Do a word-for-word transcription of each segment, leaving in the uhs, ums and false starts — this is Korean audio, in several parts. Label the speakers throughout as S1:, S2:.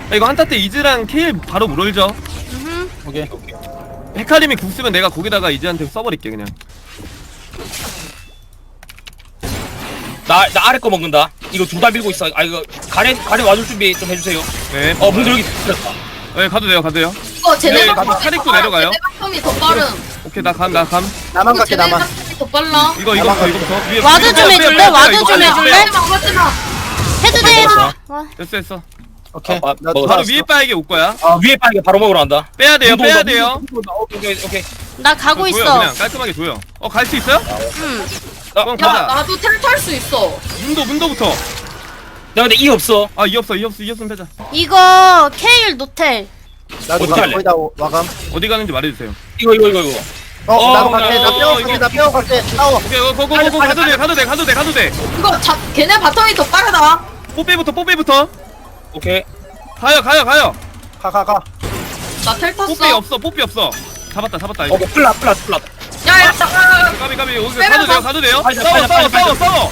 S1: 이거 한타 때 이즈랑 케일 바로 물올죠.
S2: 음.
S3: 오케이.
S1: 헤카림이 궁 쓰면 내가 거기다가 이즈한테 써버릴게 그냥.
S4: 나, 나 아래 거 먹는다. 이거 둘 다 밀고 있어. 아, 이거, 가렌, 가렌 와줄 준비 좀 해주세요.
S1: 네.
S4: 어, 문도 여기 들었다.
S1: 네 가도 돼요 가도 돼요.
S2: 이거 쟤네
S1: 네,
S2: 바텀이
S1: 카릭도
S2: 더
S1: 내려가요.
S2: 빠름. 쟤네 바텀이 더 빠름.
S1: 오케이 나 감 나 감.
S3: 나만
S2: 이거
S3: 갈게
S2: 쟤네
S3: 나만.
S2: 바텀이 더 빨라.
S1: 이거 이거부터 이거부터. 위에
S5: 와드
S1: 빼,
S5: 좀
S1: 빼,
S5: 해줄래?
S1: 빼, 빼,
S5: 와드
S1: 이거
S5: 좀
S1: 빼,
S5: 해줄래?
S1: 빼.
S2: 하지마 하지마.
S5: 해도 돼 해도
S4: 먹었어.
S5: 와.
S1: 됐어 됐어.
S3: 오케이.
S4: 아, 아,
S3: 나
S4: 먹었어.
S1: 바로
S3: 돌아왔어.
S1: 위에 빠에게 올 거야.
S4: 아, 위에 빠르게 바로 먹으러 간다.
S1: 빼야 돼요
S4: 문도
S1: 빼야
S4: 온다,
S1: 돼요.
S4: 문도 온다. 오케이, 오케이, 오케이.
S5: 나 가고
S1: 조여,
S5: 있어.
S1: 그냥 깔끔하게 조여. 어 갈 수 있어요?
S5: 응.
S1: 그럼
S2: 야
S1: 가자.
S2: 나도 텔 탈 수 있어.
S1: 문도 문도부터.
S4: 나 근데 이 없어.
S1: 아 이 없어 이 없어 이 없으면 빼자.
S5: 이거 케일 노텔.
S3: 나도
S4: 어떻게 할래?
S3: 거의 다 오- 와감.
S1: 어디 가는지 말해주세요.
S4: 이거, 이거, 이거, 이거.
S3: 어,
S4: 어,
S3: 나도
S4: 어,
S3: 갈게. 나
S1: 어,
S3: 빼고
S1: 이거.
S3: 갈게. 나 빼고 갈게. 싸워.
S1: 오케이 어, 고고고고 가도 돼 가도 돼 가도 돼 가도 돼.
S2: 이거 자 걔네 바텀이 더 빠르다.
S1: 뽀빼부터 뽀빼부터.
S4: 오케이.
S1: 가요 가요 가요.
S3: 가, 가, 가.
S2: 나 텔 탔어.
S1: 뽀빼 없어 뽀빼 없어. 잡았다 잡았다 이거.
S4: 어, 플라, 플라, 플라.
S2: 야야 잠깐.
S1: 까비 까비 여기
S2: 빼면
S1: 가도 돼요
S2: 가-
S1: 가도 돼요.
S4: 빨리,
S1: 싸워
S4: 빨리,
S1: 싸워
S4: 빨리,
S1: 싸워
S4: 빨리.
S1: 싸워.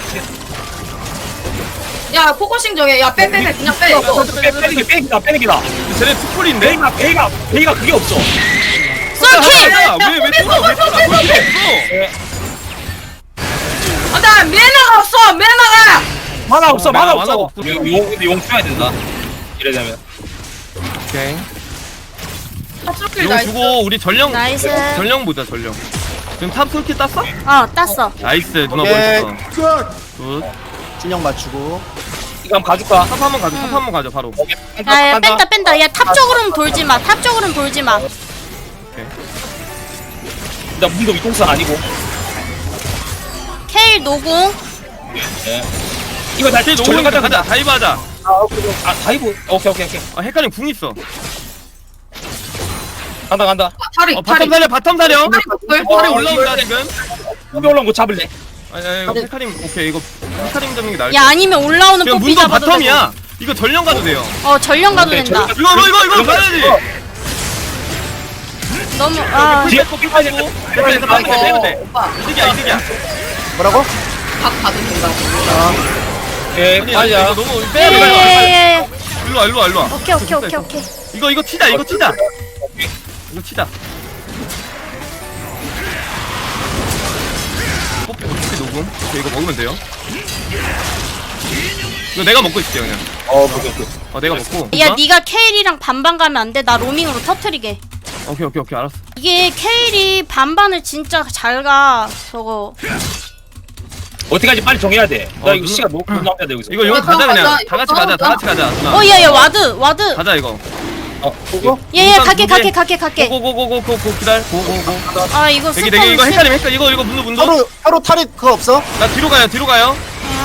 S2: 야 포커싱 정해. 야 빼 빼 빼 그냥 빼 이거.
S4: 빼, 빼는 게, 빼기다, 빼는 게다.
S1: 쟤네 투풀인데?
S4: 베이가, 베이가, 베이가 그게 없어.
S5: 쏠킬!
S1: 왜왜 돌아 왜 돌아 왜 돌아
S2: 안돼 매너가 없어 매너가.
S4: 만화 없어,
S1: 어,
S4: 만화
S1: 만화가
S4: 없어.
S1: 없어.
S4: 용, 용, 근데 용 써야 된다. 이래되면.
S1: 오케이.
S2: 탑술킬
S1: 이거
S2: 나이스.
S1: 주고 우리 전령
S5: 나이스.
S1: 전령 보자 전령. 지금 탑 솔킷 땄어?
S5: 어 땄어.
S1: 나이스 누나
S3: 오케이.
S1: 멋있어. 굿.
S3: 균형 맞추고.
S4: 이거 한번 가줄까?
S1: 탑 한번 가자 탑 한번 가자 바로.
S4: 오케이.
S5: 야야 뺀다 뺀다. 야 탑 쪽으로는 돌지 마. 탑 쪽으로는 돌지 마.
S4: 나 문도 위통선 아니고.
S5: 케일 노공.
S4: 예. 이거 나
S1: 제일
S4: 전령
S1: 너무
S4: 가자,
S1: 가자
S4: 가자.
S1: 다이브 하자.
S3: 아, 오케이. 오케이.
S4: 아, 다이브. 오케이, 오케이, 오케이.
S1: 아 헷갈림 궁 있어.
S4: 간다, 간다.
S2: 탈이
S1: 어
S2: 탈이.
S1: 바텀 살려 바텀 살려.
S2: 탈이
S1: 팔이
S4: 어,
S1: 올라온다
S4: 이거-
S1: 지금.
S4: 후배 올라온 거 잡을래.
S1: 아니 아니 이거 헷갈림 오케이 이거 헷갈림 잡는 게 나을
S5: 야
S1: 것
S5: 아니면 올라오는
S1: 지금
S5: 뽀삐
S1: 문도
S5: 잡아도
S1: 바텀이야. 이거 전령 가도 돼요.
S5: 되고. 어 전령 가도
S4: 오케이,
S5: 된다.
S4: 전령-
S1: 이거 이거 이거 이거 가야지.
S5: 너무 아
S4: 뒤에
S1: 뽀삐 빠지고. 빼면 돼 빼면 돼 빼면 돼.
S2: 오빠
S1: 이득이야 이득이야.
S3: 뭐라고?
S2: 각 가도 된다.
S4: 예,
S1: 아니 아니
S4: 맞아.
S1: 이거 너무 빼야 돼.
S5: 예예예.
S1: 일로 와 일로 와 일로 와.
S5: 오케이 오케이 오케이 오케이.
S1: 이거 이거 치자 이거 치자. 이거 치자. 뽀삐 뽀삐 녹음. 오케이, 이거 먹으면 돼요. 이거 내가 먹고 있을게 그냥.
S4: 어, 오케이, 오케이.
S1: 어 내가 먹고.
S5: 야 네가 케일이랑 반반 가면 안 돼. 나 로밍으로 터트리게.
S1: 오케이 오케이 오케이 알았어.
S5: 이게 케일이 반반을 진짜 잘 가. 저거.
S4: 어떻게 하지 빨리 정해야 돼. 나
S1: 어,
S4: 이거
S1: 누나-
S4: 시간 너무 너무 남겨야 돼 여기서.
S1: 이거 이거
S2: 이거
S1: 가자 그냥.
S2: 가자,
S1: 다 같이
S2: 이거
S1: 가자 다 같이 가자. 누나.
S5: 어 야야 와드 와드.
S1: 가자 이거.
S4: 어,
S3: 보고?
S5: 예예
S1: 일단
S5: 갈게
S1: 두
S5: 갈게
S1: 개.
S5: 갈게 갈게.
S1: 고고고고고고 기다려. 고고고.
S5: 아 이거
S1: 되게
S5: 스폰
S1: 되게 이거
S5: 실-
S1: 헷갈림 헷갈림 이거 이거 문도 문도.
S3: 서로, 서로 탈이 그거 없어?
S1: 나 뒤로 가요 뒤로 가요.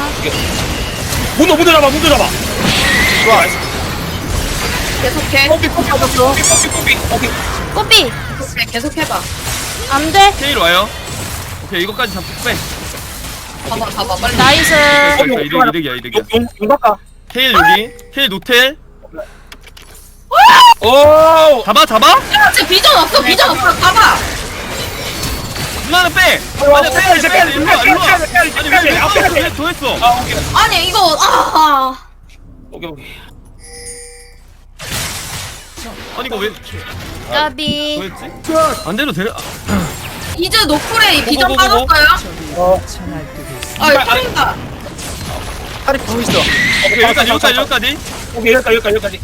S4: 문도 문도 잡아 문도 잡아.
S3: 좋아.
S2: 계속해.
S4: 뽀삐 뽀삐
S3: 잡았어.
S4: 뽀삐 뽀삐 뽀삐. 오케이.
S5: 뽀삐
S2: 계속해 계속해봐.
S5: 안 돼.
S1: 케일 와요. 오케이 이거까지 잡고 빼.
S2: 봐봐 봐봐 빨리.
S5: 나이스.
S1: 됐어, 됐어. 이득 이득이야 이득이야.
S4: 용용 바꿔.
S1: 케일 여기. 케일 노텔.
S4: 오.
S1: 잡아 잡아.
S2: 야 지금 비전 없어 비전 없어 봐봐.
S1: 누나는 빼.
S4: 어,
S1: 아니 빼
S4: 이제
S1: 빼.
S4: 빼,
S1: 일로 와
S4: 빼,
S1: 일로 와.
S4: 빼, 빼, 빼,
S1: 아니
S4: 빼,
S1: 왜왜
S4: 빼,
S1: 또
S4: 빼,
S1: 해? 더 했어.
S4: 아 오케이
S2: 아니 이거 아.
S4: 오케이 오케이.
S1: 아니 이거 왜
S5: 까비.
S1: 뭐였지? 안 돼도 돼.
S2: 이즈 노플에 비전
S1: 고고고고.
S2: 빠졌어요?
S3: 어,
S2: 아 이거 터진다.
S3: 탈이 보고 있어.
S1: 오케이 여기까지 여기까지 여기까지.
S4: 오케이 여기까지 여기까지 여기까지.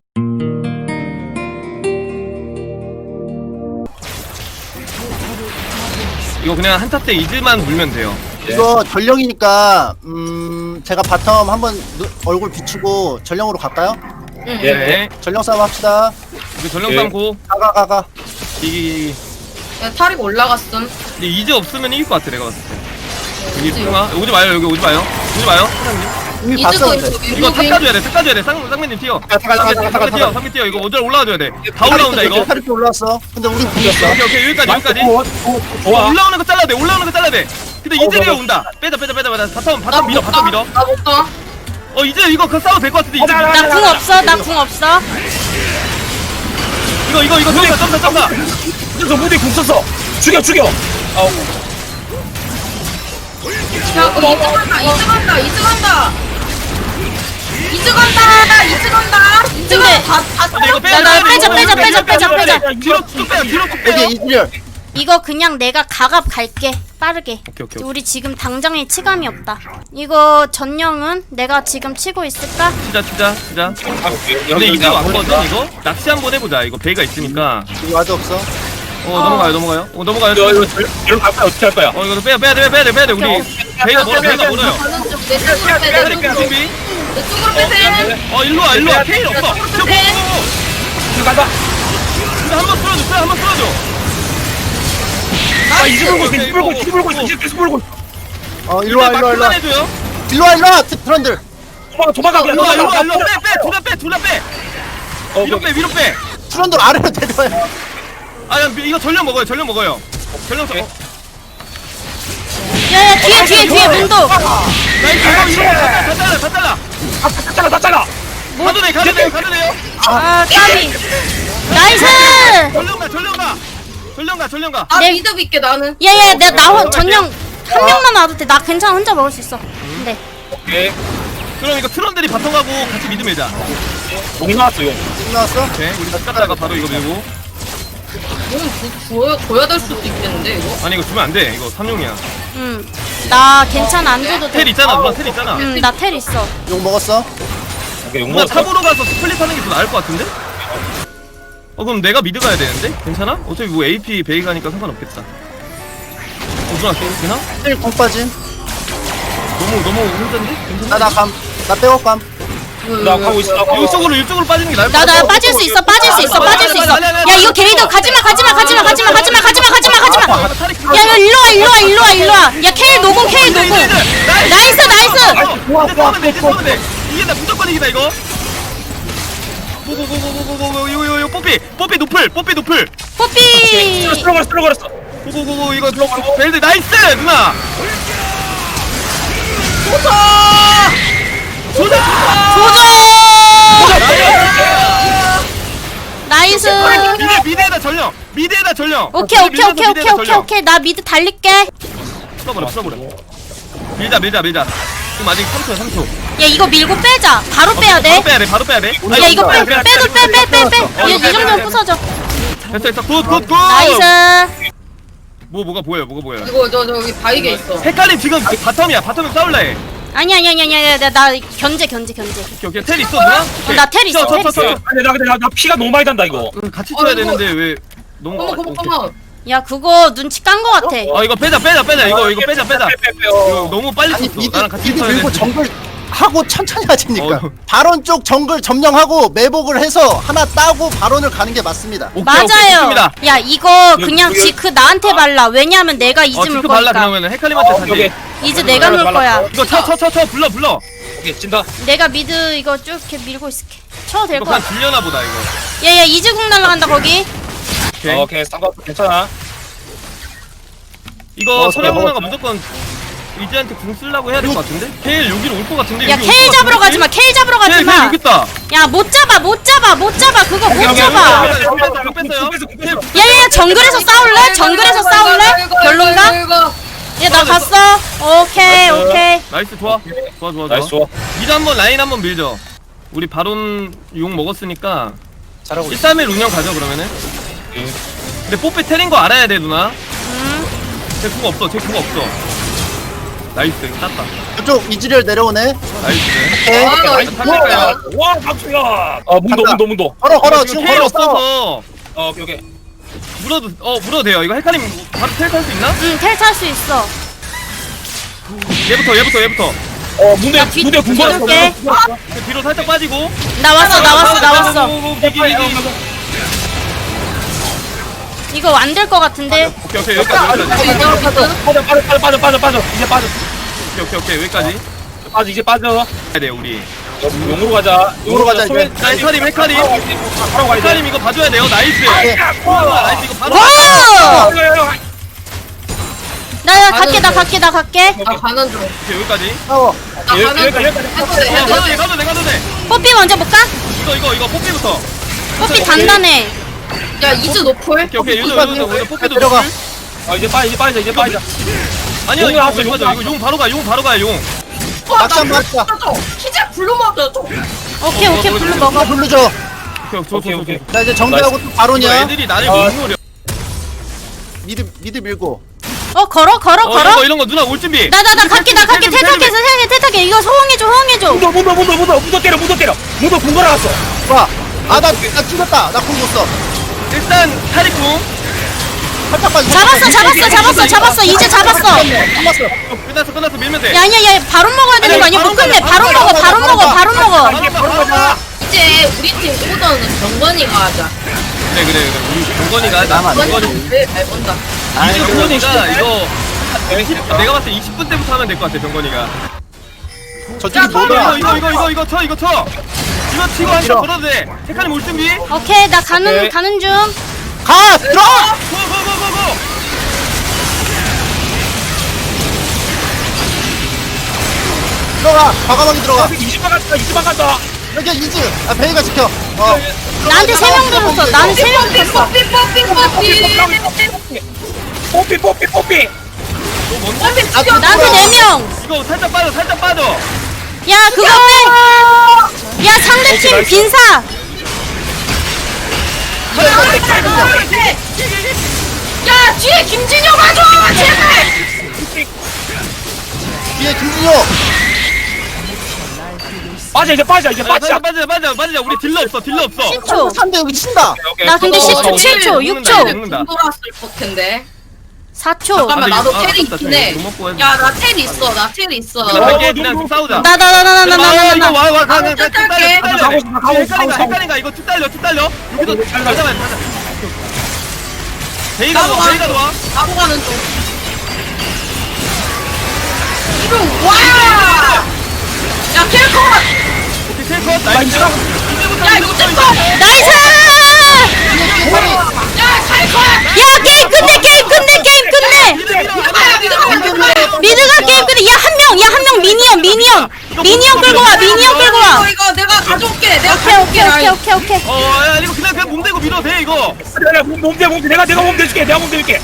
S1: 이거 그냥 한타 때 이즈만 물면 돼요.
S3: 이거 전령이니까, 음, 제가 바텀 한번 누- 얼굴 비추고 전령으로 갈까요?
S2: 응.
S4: 예.
S1: 네.
S3: 전령 싸움 합시다.
S1: 이거 전령
S4: 예.
S1: 삼고
S3: 가, 가, 가, 가.
S1: 이
S2: 야 탈이 올라갔음.
S1: 근데 이제 없으면 이길 것 같아 내가 봤을 때. 여기 풍아 오지 마요 여기 오지 마요 오지 마요.
S3: 이미
S2: 이즈도
S3: 봤었는데.
S2: 있어.
S1: 이거 탑 가줘야 돼 탑 가줘야 돼 쌍, 쌍맨님 튀어.
S3: 가, 가, 가, 가, 가, 가,
S1: 삼개 뛰어
S3: 가.
S1: 삼개 뛰어 이거 어절 올라와줘야 돼. 다 올라온다 이거.
S3: 탈이 또 올라왔어. 근데 우리 불렸어.
S1: 오케이 오케이 여기까지 여기까지.
S4: 오, 오, 오,
S1: 어,
S4: 좋아.
S1: 올라오는 거 잘라야 돼 올라오는 거 잘라야 돼. 근데
S4: 어,
S1: 이즈리가
S4: 어, 어.
S1: 온다. 빼자 빼자 빼자 빼자 바텀
S2: 나
S1: 바텀 밀어
S2: 못
S1: 바텀
S2: 가.
S1: 밀어.
S2: 나못 가.
S1: 어 이제 이거 그 싸워도 될 것 같은데 이제
S4: 어, 나, 나,
S5: 나 궁 없어. 나 궁 없어.
S1: 이거 이거 이거 점사 점사 점사.
S4: 그래서 무대 궁 썼어. 죽여 죽여. 아,
S2: 야 이즈 간다 이즈 간다 이즈 간다. 이즈 간다 이즈 간다 이즈
S5: 근데
S2: 다다
S1: 근데 이거
S5: 나, 나 빼자, 빼자, 빼자, 빼자, 빼자.
S1: 뒤로 쭉 빼요 뒤로 쭉 빼요.
S3: 여기 이즈리얼.
S5: 이거 그냥 내가 가갑 갈게 빠르게.
S1: 오케이 오케이.
S5: 우리 지금 당장에 치감이 없다. 이거 전령은 내가 지금 치고 있을까?
S1: 치자 치자 치자.
S4: 아, 오케이.
S1: 근데
S4: 여기
S1: 이거
S4: 여기
S1: 왔거든 이거. 낚시 한번 해보자. 이거 베이가 있으니까.
S3: 여기 와드 없어.
S1: 어 넘어가요 넘어가요. 어 넘어가요.
S4: 이거 이거 이거 갈 거야 어떻게 할 거야?
S1: 어 이거 빼야 빼야 돼 빼야 돼 빼야 돼 우리 베이가 멀어 베이가 멀어요.
S2: 가는 쪽내 쪽으로 빼내
S1: 빼야 돼 준비.
S2: 내 쪽으로 빼세
S1: 어 일로 와 일로 와 케일 없어.
S2: 쪽으로 빼세
S4: 이거 간다.
S1: 근데 한번 쓸어줘 빼 한번 쓸어줘.
S4: 아 이제 불고 있어. 이제 불고 있어. 이제 불고 있어. 이제 계속 불고 있어.
S3: 어 일로 와 일로 와 일로 와.
S1: 해줘요.
S3: 일로 와 일로 와 트런들.
S4: 도망가 도망가 그냥
S1: 일로 와 일로 와
S4: 도망가.
S1: 일로 와 빼빼둘다 빼 둘 다 빼.
S4: 어,
S1: 위로 빼 위로 빼.
S3: 트런들 아래로 데려와요.
S1: 아 야, 이거 전력 먹어요 전력 먹어요. 전력 써. 어.
S5: 야야 뒤에 뒤에 뒤에 문도.
S1: 나이스 이거 이거 다 잘라 다 잘라.
S4: 아, 다 잘라 다 잘라.
S1: 가도 돼 가도 돼 가도 돼요.
S5: 아 까비. 나이스.
S1: 전력가 전력가 전력가 전력가.
S2: 아
S5: 내-
S2: 미드 믿게 나는
S5: 야야 내가 나 전령 한 명만 와도 돼. 나 괜찮아 혼자 먹을 수 있어. 근데
S4: 오케이.
S1: 그럼 이거 트런들이 바텀 가고 같이 미드 매자.
S4: 용 나왔어 용.
S3: 지금 나왔어?
S1: 오케이 우리 깎다가 바로 이거 밀고.
S2: 이건 줘야 줘야 될 수도 있겠는데 이거
S1: 아니 이거 주면 안 돼. 이거 삼용이야.
S5: 음나 괜찮아 안 줘도
S1: 텔
S5: 돼.
S1: 있잖아 누나 텔 있잖아.
S5: 음나 텔 있어.
S3: 욕 먹었어?
S4: 오케이 용
S1: 누나
S4: 먹었어.
S1: 탑으로 가서 스플릿 하는 게 더 나을 것 같은데? 어 그럼 내가 미드 가야 되는데? 괜찮아? 어차피 뭐 에이피 베이 가니까 상관없겠다. 어 누나 되나?
S3: 힐 공 빠짐.
S1: 너무 너무 힘든데? 괜찮아?
S3: 나나감나 백업 감.
S4: 나 가고 있어. 나 가고 있어.
S1: 이쪽으로 이쪽으로 빠지는 게 나을 것
S5: 나
S1: 같아.
S5: 나 빠질 수 있어 빠질 수 있어 빠질 수 있어. 야 이거 게이더 가지마 가지마 가지마 가지마 가지마 가지마 가지마 가지마. 야 이거 일로 와 일로 와 일로 와 일로 와. 야 케일 노공 케일 노공. 나이스 나이스.
S1: 좋아 좋아 좋아. 이게 나 무조건 이기다 이거. 고고고고고고고 이거 이거 이거 뽀삐 뽀삐 노플 뽀삐 노플.
S5: 뽀삐.
S4: 쓸어버렸어 쓸어버렸어.
S1: 고고고고 이거 벨드 나이스 누나. 조사
S5: 나이스.
S1: 미드 미드에다 전령 미드에다 전령.
S5: 오케이 오케이 오케이 오케이 오케이 오케이 나 미드 달릴게.
S1: 풀어버려 풀어버려. 밀자 밀자 밀자. 지금 아직 삼 초야 삼 초.
S5: 야 이거 밀고 빼자. 바로 빼야 돼.
S1: 바로 빼야 돼 바로 빼야 돼.
S5: 야 이거 빼 빼도 빼 빼 빼 빼. 이 정도면 부서져.
S1: 됐어 됐어 굿굿굿.
S5: 나이스.
S1: 뭐 뭐가 보여요 뭐가 보여요.
S2: 이거 저 저기 바위게 있어
S1: 헷갈림 지금 바텀이야 바텀에 싸울래 해.
S5: 아니 아니 아니 아니 나, 나 견제 견제 견제.
S1: 오케이 오케이 텔 있어 누나? 오케이.
S5: 나 텔 있어,
S1: 쳐, 쳐,
S5: 텔
S1: 쳐,
S5: 있어.
S1: 쳐.
S4: 아니 나 근데 나, 나 피가 너무 많이 단다 이거.
S1: 응, 같이
S2: 어,
S1: 쳐야
S2: 이거-
S1: 되는데 왜 너무
S2: 어머
S1: 아,
S2: 어머
S1: 오케이.
S2: 어머
S5: 야 그거 눈치 깐 거 같아.
S1: 아 이거 빼자 빼자 빼자 이거 이거 빼자 빼자.
S4: 빼, 빼, 빼,
S1: 이거
S4: 어.
S1: 너무 빨리
S3: 아니
S1: 쳤어.
S3: 미드
S1: 나랑 같이
S3: 미드
S1: 쳐야
S3: 밀고
S1: 되는데.
S3: 정글 하고 천천히 하시니까.
S1: 어.
S3: 바론 쪽 정글 점령하고 매복을 해서 하나 따고 바론을 가는 게 맞습니다.
S1: 오케이, 오케이,
S5: 맞아요.
S1: 좋습니다.
S5: 야 이거 그냥
S4: 여기-
S5: 지크 나한테 발라. 왜냐면 내가
S1: 어
S5: 이즈 물
S1: 지금 발라
S5: 거니까.
S1: 그러면은 헷갈림한테
S4: 어,
S1: 산지.
S4: 여기.
S5: 이즈 내가 물 거야.
S1: 이거 쳐 쳐 쳐 쳐 불러 불러.
S4: 오케이 찐다.
S5: 내가 미드 이거 쭉 이렇게 밀고 있을게. 쳐도 될
S1: 이거
S5: 거
S1: 그냥
S5: 같아.
S1: 질려나 보다 이거.
S5: 야야 이즈 궁 날라간다 거기.
S1: 오케이.
S4: 어, 오케이 상관없어 괜찮아.
S1: 이거
S3: 어,
S1: 서령
S3: 먹었어.
S1: 누나가 무조건 이즈한테 궁 쓰려고 해야 될 것 같은데? 케일 여기로 올 것 같은데?
S5: 야
S1: 여기
S5: 케일
S1: 올것
S5: 잡으러
S1: 같은데?
S5: 가지 마. 케일 잡으러 가지
S1: 케일 케일
S5: 마.
S1: 여기 있다.
S5: 야 못 잡아 못 잡아 못 잡아 그거 못
S4: 여기, 여기,
S5: 잡아.
S4: 여기, 여기.
S1: 뺐어요 뺐어요. 케일
S5: 야야야 정글에서 싸울래? 정글에서 싸울래? 별론가?
S2: 이거
S5: 야 나 갔어. 오케이 오케이.
S1: 나이스 좋아. 좋아 좋아
S4: 나이스
S1: 좋아.
S4: 좋아.
S1: 미드 한번 라인 한번 밀죠. 우리 바론 용 먹었으니까
S3: 잘하고
S1: 일
S3: 있어.
S1: 삼 일 운영 가죠 그러면은.
S4: 응.
S1: 근데 뽀삐 테린 거 알아야 돼 누나.
S5: 음.
S1: 제 궁 없어 제 궁 없어. 나이스 이거 땄다.
S3: 이쪽 이즈리얼 내려오네.
S1: 나이스.
S3: 오케이.
S2: 아, 나
S1: 나이스 탈릴까요?
S4: 와 박수야. 아 문도
S3: 간다.
S4: 문도 문도.
S3: 걸어 걸어
S1: 이거
S3: 지금
S1: 케일
S3: 걸어 싸워.
S1: 없어서
S4: 어 오케이 오케이.
S1: 물어도 어 물어도 돼요. 이거 헷갈림 바로 텔 탈 수 있나?
S5: 응텔 탈 수 있어.
S1: 얘부터 얘부터 얘부터.
S4: 어 문대
S5: 나 뒤-
S4: 문대 궁궐.
S5: 뒤돌게.
S1: 뒤로 살짝 빠지고.
S5: 나왔어 나왔어 나왔어.
S1: 이기 이기.
S5: 이거 안 될 것 같은데.
S1: 오케이 오케이 여기까지 여기까지.
S2: 이거 가자
S4: 빠져 빠져 빠져 빠져 빠져 빠져 이제 빠져
S1: 오케이 오케이 오케이 여기까지.
S4: 빠져 이제 빠져.
S1: 해야 돼 우리.
S4: 용으로 가자.
S3: 용으로 가자, 이제.
S1: 자 헷갈림 헷갈림.
S4: 바로 가야 돼.
S1: 헷갈림 이거 봐줘야 돼요. 나이스. 와, 나이스 이거 바로.
S5: 와!
S1: 오케이
S5: 나 갈게 나 갈게 나 갈게.
S2: 나 가는 중
S1: 여기까지.
S3: 싸워.
S2: 나
S4: 여기,
S2: 가는 중
S4: 여기까지, 여기까지.
S2: 해도 돼
S1: 어,
S2: 해도
S1: 가도 돼
S2: 돼
S1: 가도 돼 가도 돼.
S5: 뽀삐 먼저 볼까?
S1: 이거 이거 이거 뽀삐부터.
S5: 뽀삐 단단해.
S2: 야 이즈 노플
S1: 오케이 오케이 요즘
S3: 뽀삐
S1: 요즘 요즘 뽀삐도
S3: 들어가.
S1: 노플.
S4: 아 이제 빠져 이제 빠져 이제 빠져.
S1: 아니야
S4: 용을
S1: 이거
S4: 하자,
S1: 용
S4: 용을
S1: 맞아. 이거 용 바로 가 용 바로 가 용.
S2: 와,
S3: 막상
S2: 나
S3: 막자.
S2: 키즈 불러 먹어 줘
S5: 오케이
S1: 어,
S5: 오케이
S1: 어,
S5: 블루
S1: 어,
S5: 먹어.
S3: 불러줘.
S1: 오케이 좋아
S4: 오케이,
S1: 좋아
S4: 오케이.
S1: 오케이.
S3: 자 이제 정비하고 또
S1: 이거
S3: 바로냐.
S1: 애들이 나를
S4: 아.
S1: 못 노려.
S3: 미드 미드 밀고.
S5: 어 걸어 걸어
S1: 어 이런
S5: 걸어
S1: 거 이런 거 누나 올 준비.
S5: 나 나 나 갈게 나 갈게 탈탈게 탈탈게 탈탈게 이거 호응해줘 호응해줘
S4: 문도 문도 문도 문도 문도 때려 문도 때려 문도 궁 걸어놨어.
S3: 와. 아나 나 죽었다. 나 궁 못 써.
S1: 일단 타리쿵
S3: 살짝 빠져.
S5: 잡았어 잡았어 잡았어 잡았어 이제 잡았어
S3: 잡았어.
S1: 끝났어 끝났어 밀면 돼.
S5: 야 아니야 야 바로 먹어야 되는 거 아니야 못 끝내 바로 먹어 바로 먹어 바로 먹어
S4: 이게 바로 가자.
S2: 이제 우리 팀 오더는 정건이가 하자.
S1: 그래 그래 그래 우리 동건이가 하자.
S3: 나만 안
S1: 동건이
S2: 정건이 제일 잘 본다.
S3: 아니
S1: 병건이가 이거 이십, 내가 봤을 때 이십 분 때부터 하면 될 것 같아 병건이가.
S3: 저쪽이
S2: 야,
S1: 이거
S3: 뭐야?
S1: 이거 이거 이거 이거 쳐 이거 쳐. 이거 치고 한번
S3: 밀어.
S1: 걸어도 돼. 테카님 올 준비.
S5: 오케이 나 가는
S4: 오케이.
S5: 가는 중
S3: 가 들어.
S1: 고고고고고.
S3: 들어가. 과감하게 들어가.
S4: 이십만 간다 이십만 간다.
S3: 여기 이즈. 아 베이가 지켜. 어.
S5: 나한테 세 명 들었어 나한테 세 명 들었어
S2: 뽀삐 뽀삐 뽀삐.
S4: 뽀삐 뽀삐 뽀삐.
S1: 너 뭔데?
S2: 뽀삐 죽여.
S5: 나한테 네명야
S1: 이거 살짝 빠져 살짝 빠져.
S5: 그거 빼야 상대팀 빈사
S2: 야 뒤에 김진영 와줘 제발.
S3: 뒤에 김진호.
S4: 빠져 이제 빠져 이제
S1: 빠져
S4: 빠져.
S1: 빠져 빠져 빠져. 우리 딜러 없어 딜러 없어.
S5: 십 초
S3: 삼 대 여기 친다.
S5: 나 근데 십 초
S1: 어,
S5: 칠 초 육 초
S1: 먹는다.
S2: 돌았을 것 텐데.
S5: 사 초
S2: 잠깐만
S1: 아,
S2: 나도
S1: 아,
S2: 텔이
S1: 아깝다,
S2: 있긴 해.
S1: 못 먹고 해도
S2: 야 나 텔 있어 나 텔 있어.
S1: 나 갈게 그냥 좀 싸우자.
S5: 나 나 나 나 나 나 나
S1: 아, 이거
S5: 나
S1: 와, 와, 가, 가, 가,
S2: 아,
S1: 쭉 달려,
S2: 갈게.
S1: 쭉 달려.
S4: 가고, 가고, 가고,
S1: 헷갈린가,
S4: 가고.
S1: 헷갈린가, 이거 쭉 달려, 쭉 달려. 여기도
S4: 가자,
S1: 가자, 가자. 베이가
S2: 나도
S1: 와,
S2: 가.
S1: 베이가 와.
S2: 바로 가는 중. 이거 와. 야 텔컷.
S1: 오케이, 셀컷, 나이스.
S2: 야
S1: 이제부터
S2: 이거
S1: 이제부터
S2: 텔컷.
S5: 나이스
S2: 야 텔컷.
S5: 야 게임 끝내 게임 끝내 게임 끝내
S1: 밀어, 밀어,
S2: 미드가 미드가 미드가.
S5: 미드가 게임 끝내 야 한 명 야 한 명 미니언 미니언 미니언 끌고 와 미니언 끌고 와
S2: 이거 이거 내가 가져올게. 내가
S5: 오케이 오케이 오케이 오케이 오케이
S1: 어, 야, 이거 그냥 그냥 몸 대고 밀어도 돼, 이거.
S4: 내가 몸대 몸대 내가 내가 몸 대줄게 내가 몸 대줄게.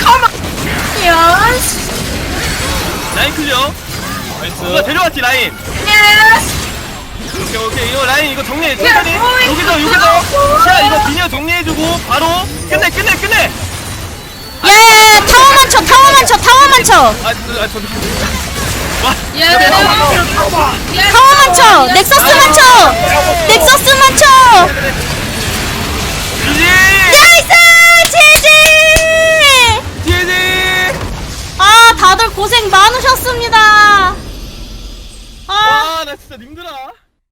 S2: 야.
S1: 라인 클리어. 누가
S4: 나이스.
S1: 데려왔지, 라인.
S2: 예스.
S1: 오케이, 오케이. 이거 라인 이거 정리해.
S2: 야,
S1: 천천히.
S2: 어이,
S1: 여기서, 여기서. 자, 이거 미니어 정리해주고, 바로. 끝내, 끝내, 끝내.
S5: 야야야 타워만 쳐 타워만 쳐 타워만 쳐
S1: 아, 저, 아, 저. 와.
S2: 예.
S5: 타워만 쳐 넥서스만 쳐 넥서스만 쳐
S1: 지지!
S5: 나이스 지지
S1: 지지!
S5: 아 다들 고생 많으셨습니다 아
S1: 와, 나 진짜 힘들어.